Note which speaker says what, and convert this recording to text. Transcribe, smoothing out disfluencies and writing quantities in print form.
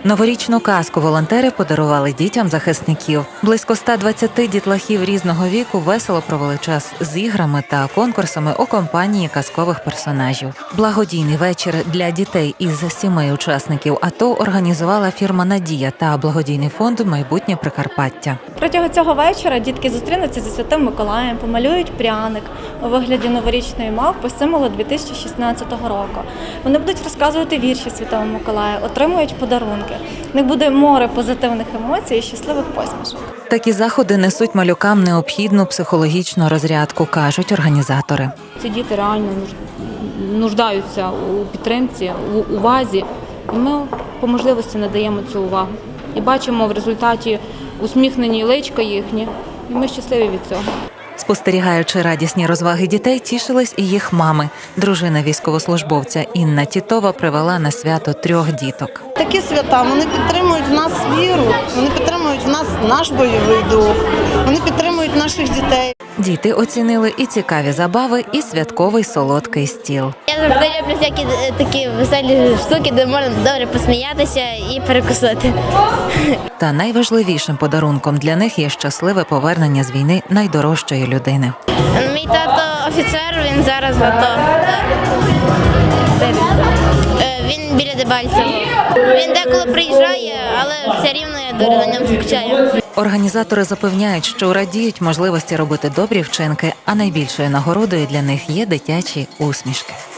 Speaker 1: Новорічну казку волонтери подарували дітям захисників. Близько 120 дітлахів різного віку весело провели час з іграми та конкурсами у компанії казкових персонажів. Благодійний вечір для дітей із сімей учасників АТО організувала фірма «Надія» та благодійний фонд «Майбутнє Прикарпаття».
Speaker 2: Протягом цього вечора дітки зустрінуться зі Святим Миколаєм, помалюють пряник у вигляді новорічної мавпи, символу 2016 року. Вони будуть розказувати вірші Святого Миколая, отримують подарунки. В них буде море позитивних емоцій і щасливих посмішок.
Speaker 1: Такі заходи несуть малюкам необхідну психологічну розрядку, кажуть організатори.
Speaker 3: Ці діти реально нуждаються у підтримці, у увазі, і ми по можливості надаємо цю увагу. І бачимо в результаті усміхнені личка їхні, і ми щасливі від цього.
Speaker 1: Спостерігаючи радісні розваги дітей, тішились і їх мами. Дружина військовослужбовця Інна Тітова привела на свято 3 діток.
Speaker 4: Такі свята, вони підтримують в нас віру, вони підтримують в нас наш бойовий дух, вони підтримують наших дітей.
Speaker 1: Діти оцінили і цікаві забави, і святковий солодкий стіл.
Speaker 5: Я завжди люблю всякі такі веселі штуки, де можна добре посміятися і перекусити.
Speaker 1: Та найважливішим подарунком для них є щасливе повернення з війни найдорожчої людини.
Speaker 5: Мій тато офіцер, він зараз в АТО. Він біля Дебальцева. Він деколи приїжджає, але все рівно я дуже на ньому скучаю.
Speaker 1: Організатори запевняють, що радіють можливості робити добрі вчинки, а найбільшою нагородою для них є дитячі усмішки.